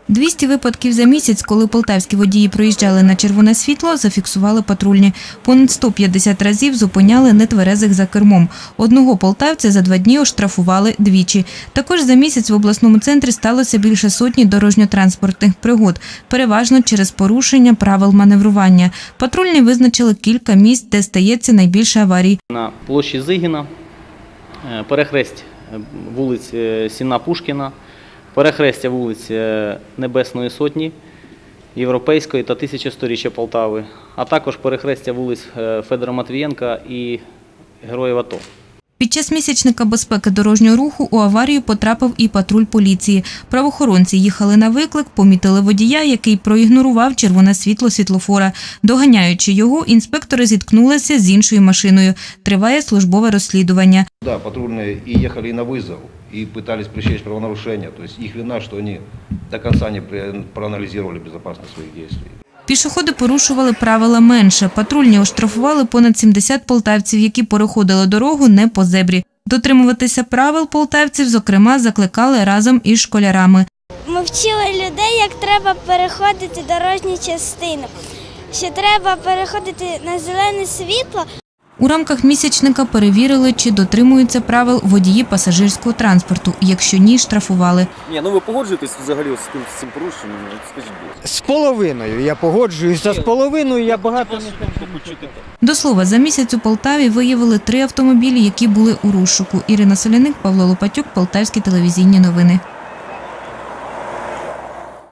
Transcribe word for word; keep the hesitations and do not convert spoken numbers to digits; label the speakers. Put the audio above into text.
Speaker 1: двісті випадків за місяць, коли полтавські водії проїжджали на червоне світло, зафіксували патрульні. Понад сто п'ятдесят разів зупиняли нетверезих за кермом. Одного полтавця за два дні оштрафували двічі. Також за місяць в обласному центрі сталося більше сотні дорожньо-транспортних пригод, переважно через порушення правил маневрування. Патрульні визначили кілька місць, де стається найбільше аварій.
Speaker 2: На площі Зигіна, перехресть вулиць Сінна-Пушкіна, перехрестя вулиць Небесної Сотні, Європейської та тисячосторіччя Полтави, а також перехрестя вулиць Федора Матвієнка і Героїв АТО.
Speaker 1: Під час місячника безпеки дорожнього руху у аварію потрапив і патруль поліції. Правоохоронці їхали на виклик, помітили водія, який проігнорував червоне світло світлофора. Доганяючи його, інспектори зіткнулися з іншою машиною. Триває службове розслідування.
Speaker 3: Да, патрульные и ехали на вызов, и пытались пресечь правонарушения. То есть их вина, что они до конца не проанализировали безопасность своих действий.
Speaker 1: Пішоходи порушували правила менше. Патрульні оштрафували понад сімдесят полтавців, які переходили дорогу не по зебрі. Дотримуватися правил полтавців, зокрема, закликали разом із школярами.
Speaker 4: Ми вчили людей, як треба переходити дорожню частину, що треба переходити на зелене світло.
Speaker 1: У рамках місячника перевірили, чи дотримуються правил водії пасажирського транспорту. Якщо ні, штрафували.
Speaker 5: Ні, ну ви погоджуєтесь взагалі з цим, з цим порушенням? Скажіть, будь ласка.
Speaker 6: З половиною я погоджуюся, з половиною я багато не кажу.
Speaker 1: До слова, за місяць у Полтаві виявили три автомобілі, які були у розшуку. Ірина Соляник, Павло Лопатюк, Полтавські телевізійні новини.